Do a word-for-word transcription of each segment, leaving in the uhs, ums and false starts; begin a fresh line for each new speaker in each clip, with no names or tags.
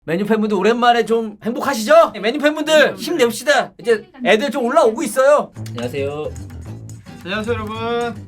메뉴 팬분들 오랜만에 좀 행복하시죠? 메뉴 팬분들 힘냅시다. 이제 애들 좀 올라오고 있어요. 안녕하세요.
안녕하세요 여러분.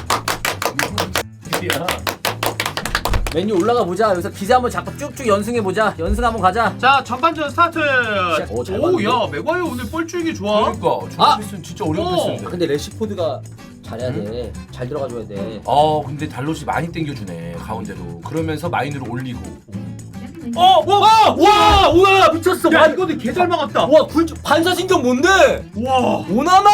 메뉴 올라가 보자. 여기서 기세 한번 잡고 쭉쭉 연승해 보자. 연승 한번 가자.
자 전반전 스타트.
오, 잘 봤는데?
오야 맥과이어 오늘 볼줄기 좋아.
그러니까
아!
아! 패스는 진짜 어려운
어.
패스인데.
근데 레시포드가 잘해야 돼. 잘 들어가줘야 돼.
아 근데 달롯이 많이 땡겨주네 가운데로. 그러면서 마인으로 올리고.
어! 와! 와! 오나나 미쳤어.
야
반,
이거는 개잘 막았다.
와 굴, 반사신경 뭔데?
와.
오나나!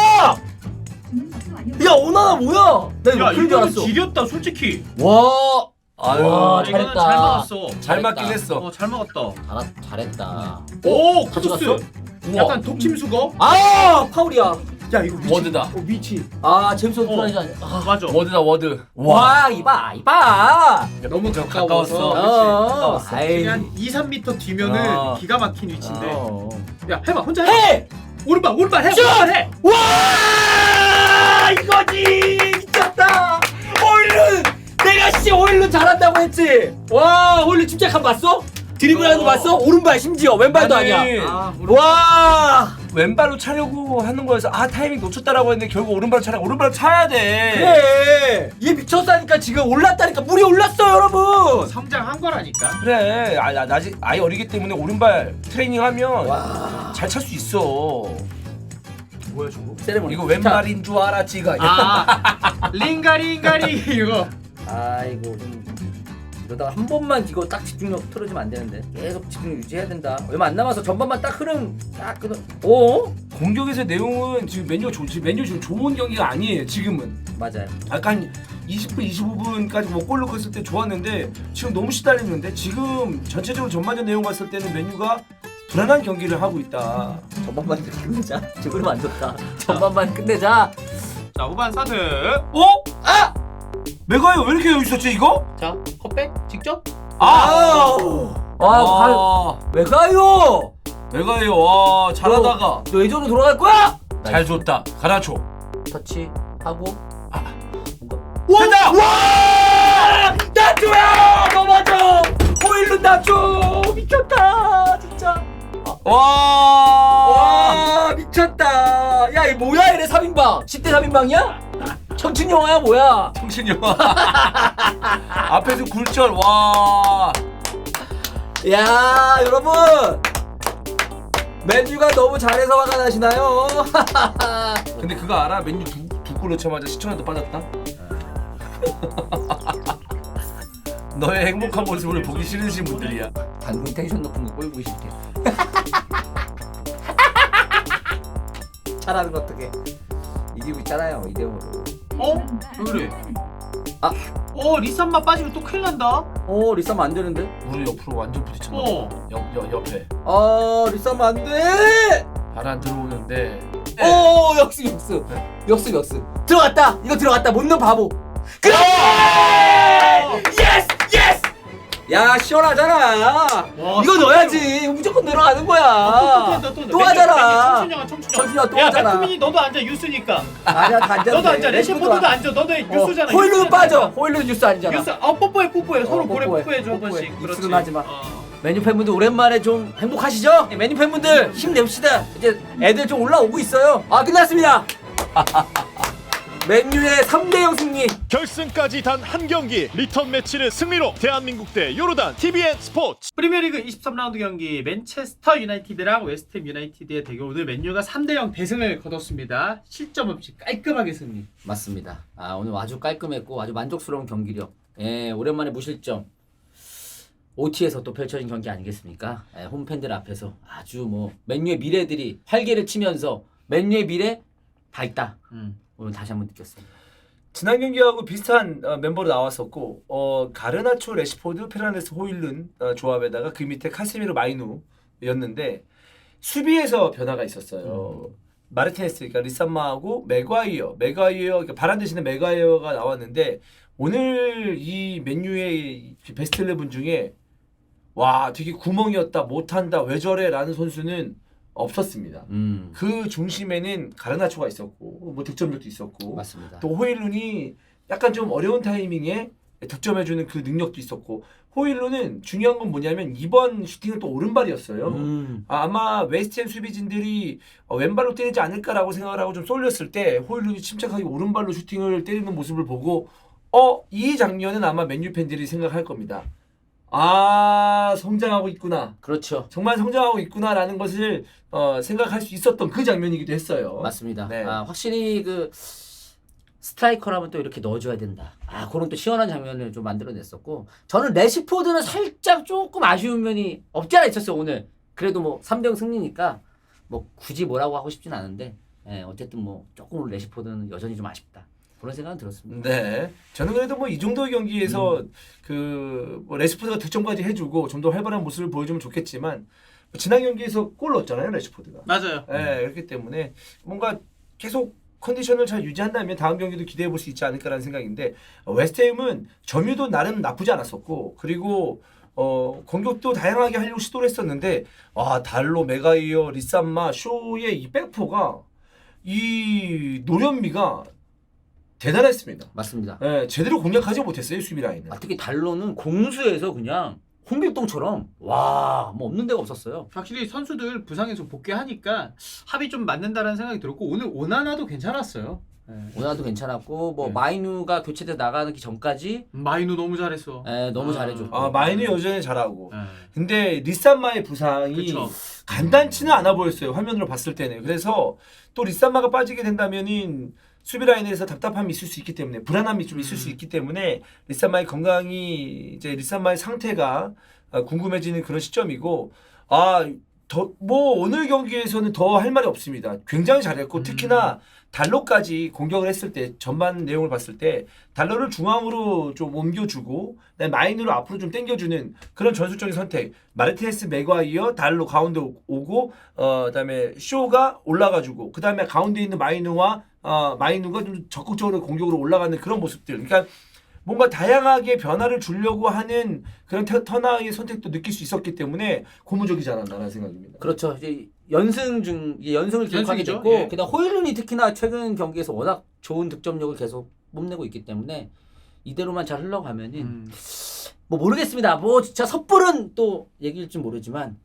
야 오나나 뭐야? 나 이거
야
그런 줄
이거는
알았어.
지렸다 솔직히.
와!
아유
와,
이거는
잘했다.
잘 막았어.
잘 맞긴 했어.
어 잘 막았다.
잘하, 잘했다.
오
같이
크로스.
갔어?
약간 독침 수거.
아! 파울이야.
야 이거 미치.
워드다.
어 미치.
아 제임스
어.
프라이즈 아니야. 아.
맞아.
워드다 워드.
와 이봐 이봐.
너무
좀
가까워서.
어.
가까웠어.
아이.
한 이, 삼 미터 뒤면은
아.
기가 막힌 위치인데.
어.
야 해봐 혼자 해.
해!
오른발 오른발 해.
슛!
오른발 해.
와 이거지 미쳤다. 오일룬 내가 씨 오일룬 잘한다고 했지. 와 오일룬 침착함 봤어? 드리블하는 거
어.
봤어? 오른발 심지어 왼발도
아니,
아니야.
아, 오른발.
와
왼발로 차려고 하는 거여서 아 타이밍 놓쳤다라고 했는데 결국 오른발로 차려. 오른발로 차야 돼.
그래 얘 미쳤다니까 지금 올랐다니까 물이 올랐어 여러분.
성장한 거라니까.
그래. 아, 나, 나 아직 아예 어리기 때문에 오른발 트레이닝하면
와
잘 찰 수 있어.
뭐야 저거?
세레모니.
이거 왼발인 줄 알았지 이거.
아 링가링가리 이거.
아이고 좀 이러다가 한 번만 이거 딱 집중력 틀어지면 안 되는데 계속 집중력 유지해야 된다. 얼마 안 남아서 전반만 딱 흐름 딱 끊어. 오
공격에서의 내용은 지금 메뉴가 좋, 지금 메뉴 지금 좋은 경기가 아니에요. 지금은.
맞아요.
약간 이십 분, 이십오 분까지 뭐 골 넣고 있을 때 좋았는데 지금 너무 시달리는데 지금 전체적으로 전반전 내용 봤을 때는 메뉴가 불안한 경기를 하고 있다.
전반만 끝내자. 지금 흐름 안 좋다. 전반만 끝내자.
자 후반 스타트.
어? 아! 메가요 왜 이렇게 여기 있었지 이거?
자 컵백 직접.
아!
와,
아,
왜 가요?
메가요 와 잘하다가
너 예전으로 돌아갈 거야?
잘 줬다. 가라초.
터치 하고.
된다!
와! 나초야! 넘어져! 호일룬 나초! 미쳤다! 진짜.
와!
와 미쳤다. 야 이 뭐야 이래 삼 인방. 십 대 삼 인방이야? 청춘 영화야 뭐야?
정신 영화. 앞에서 굴절 와.
야 여러분 맨유가 너무 잘해서 화가 나시나요?
근데 그거 알아? 맨유 두, 두골 넣자마자 시청자도 빠졌다? 너의 행복한 모습을 보기 싫으신 분들이야.
방금 텐션 높은 거 꼴보기 싫게. 잘하는 거 어떡해. 이기고 있잖아요 이 대 영으로.
어? 왜 그래?
아.
어 리산마 빠지면 또 큰일 난다.
어 리싸면 안 되는데?
우리 옆으로 완전 부딪혔나?
어.
옆, 옆, 옆에
아 리싸면 안 돼!
바람 들어오는데
오 역습 역습 역습 역습 들어갔다. 이거 들어갔다. 못 넣은 바보. 그래! 예스 예스! 야 시원하잖아.
와,
이거 넣어야지. 이거 무조건 들어가는 거야.
아, 또, 또, 또, 또,
또
맨유,
하잖아.
맨유 청춘영아 청춘영.
청춘영아 또
야,
하잖아.
맥쿠민이 너도 앉아 유스니까.
아니야 다 앉아.
너도 앉아. 레시포드도 앉아. 너도 유스잖아.
호일룬
유스잖아.
빠져. 호일룬 뉴스 아니잖아.
유스. 어 뽀뽀해 뽀뽀해. 서로
어,
고래
뽀뽀해.
뽀뽀해 줘 한
뽀뽀해.
번씩. 그렇지.
입술은 하지 마.
어.
메뉴 팬분들 오랜만에 좀 행복하시죠? 메뉴 팬분들 힘냅시다. 이제 애들 좀 올라오고 있어요. 아 끝났습니다. 맨유의 삼 대 영 승리.
결승까지 단 한 경기 리턴 매치는 승리로 대한민국 대 요르단 티비엔 스포츠.
프리미어리그 이십삼 라운드 경기 맨체스터 유나이티드랑 웨스트햄 유나이티드의 대결. 오늘 맨유가 삼 대 영 대승을 거뒀습니다. 실점 없이 깔끔하게 승리.
맞습니다. 아 오늘 아주 깔끔했고 아주 만족스러운 경기력. 예 오랜만에 무실점. 오티에서 또 펼쳐진 경기 아니겠습니까? 예, 홈팬들 앞에서 아주 뭐 맨유의 미래들이 활개를 치면서 맨유의 미래 밝다.
음.
오늘 다시 한번 느꼈습니다.
지난 경기하고 비슷한 어, 멤버로 나왔었고 어, 가르나초, 레시포드, 페라네스, 호일룬 어, 조합에다가 그 밑에 카세미로, 마이누였는데 수비에서 변화가 있었어요. 음. 마르티네스, 그러니까 리산마하고 맥과이어, 맥과이어, 그러니까 바란 대신에 맥과이어가 나왔는데 오늘 이 맨유의 베스트 십일 중에 와 되게 구멍이었다, 못한다, 왜 저래 라는 선수는 없었습니다.
음
그 중심에는 가르나초가 있었고 뭐 득점력도 있었고
맞습니다.
또 호일룬이 약간 좀 어려운 타이밍에 득점해주는 그 능력도 있었고 호일룬은 중요한 건 뭐냐면 이번 슈팅은 또 오른발이었어요.
음.
아, 아마 웨스트햄 수비진들이 어, 왼발로 때리지 않을까라고 생각을 하고 좀 쏠렸을 때 호일룬이 침착하게 오른발로 슈팅을 때리는 모습을 보고 어, 이 장면은 아마 맨유 팬들이 생각할 겁니다. 아, 성장하고 있구나.
그렇죠.
정말 성장하고 있구나라는 것을 어, 생각할 수 있었던 그 장면이기도 했어요.
맞습니다.
네.
아, 확실히 그 스트라이커라면 또 이렇게 넣어줘야 된다. 아, 그런 또 시원한 장면을 좀 만들어냈었고, 저는 레시포드는 살짝 조금 아쉬운 면이 없지 않아 있었어요 오늘. 그래도 뭐 삼 대 영 승리니까 뭐 굳이 뭐라고 하고 싶진 않은데, 예, 어쨌든 뭐 조금 레시포드는 여전히 좀 아쉽다. 그런 생각은 들었습니다.
네, 저는 그래도 뭐 이 정도의 경기에서
음.
그뭐 레시포드가 득점까지 해주고 좀 더 활발한 모습을 보여주면 좋겠지만 뭐 지난 경기에서 골 넣었잖아요 레시포드가.
맞아요.
네, 그렇기 때문에 뭔가 계속 컨디션을 잘 유지한다면 다음 경기도 기대해 볼 수 있지 않을까라는 생각인데 어, 웨스트햄은 점유도 나름 나쁘지 않았었고 그리고 어, 공격도 다양하게 하려고 시도를 했었는데 아 달로, 메가이어, 리산마, 쇼의 이 백포가 이 노련미가 대단했습니다.
맞습니다.
예, 제대로 공략하지 못했어요 수비 라인을.
아, 특히 달로는 공수에서 그냥 홍길동처럼 와, 뭐 없는 데가 없었어요.
확실히 선수들 부상에서 복귀하니까 합이 좀 맞는다라는 생각이 들었고 오늘 오나나도 괜찮았어요. 네.
오나도 괜찮았고 뭐
네.
마이누가 교체돼 나가기 전까지
마이누 너무 잘했어.
예, 너무
아.
잘해줬고.
아 마이는 여전히 잘하고.
네.
근데 리산마의 부상이
그쵸.
간단치는 않아 보였어요 화면으로 봤을 때는. 그래서 또 리산마가 빠지게 된다면은 수비 라인에서 답답함이 있을 수 있기 때문에 불안함이 좀 있을 수
음.
있기 때문에 리산마의 건강이 이제 리산마의 상태가 궁금해지는 그런 시점이고 아 더 뭐 오늘 경기에서는 더 할 말이 없습니다. 굉장히 잘했고
음.
특히나 달로까지 공격을 했을 때 전반 내용을 봤을 때 달로를 중앙으로 좀 옮겨주고 그다음에 마인으로 앞으로 좀 당겨주는 그런 전술적인 선택. 마르티네스, 맥과이어, 달로 가운데 오- 오고 어 그다음에 쇼가 올라가주고 그다음에 가운데 있는 마이누와 어 마이누가 좀 적극적으로 공격으로 올라가는 그런 모습들. 그러니까 뭔가 다양하게 변화를 주려고 하는 그런 터- 터나의 선택도 느낄 수 있었기 때문에 고무적이지 않았나라는 생각입니다.
그렇죠. 이제 연승 중 이제 연승을 기록하게
연승이죠.
됐고,
예.
그다음 호일룬이 특히나 최근 경기에서 워낙 좋은 득점력을 계속 뽐내고 있기 때문에 이대로만 잘 흘러가면은
음.
뭐 모르겠습니다. 뭐 진짜 섣부른 또 얘기일지 모르지만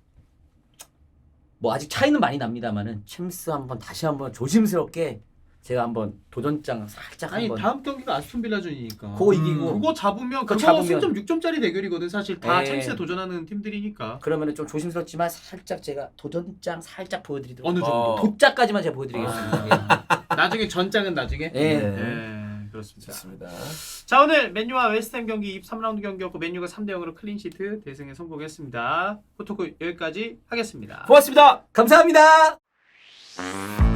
뭐 아직 차이는 많이 납니다만은 챔스 한번 다시 한번 조심스럽게 제가 한번 도전장 살짝
아니
한번
다음 경기가 아스톤 빌라전이니까.
그거 이기고
그거 잡으면
그거
그거
잡으면-
승점 육 점짜리 대결이거든. 사실 다
예.
챔스에 도전하는 팀들이니까.
그러면은 좀 조심스럽지만 살짝 제가 도전장 살짝 보여드리도록
어느 정도.
어.
도짜까지만 제가 보여드리겠습니다.
나중에 전장은 나중에.
예.
네.
예, 그렇습니다.
좋습니다.
자 오늘 맨유와 웨스트햄 경기 이십삼 라운드 경기였고 맨유가 삼 대 영으로 클린시트 대승에 성공했습니다. 포토크 여기까지 하겠습니다.
고맙습니다.
감사합니다.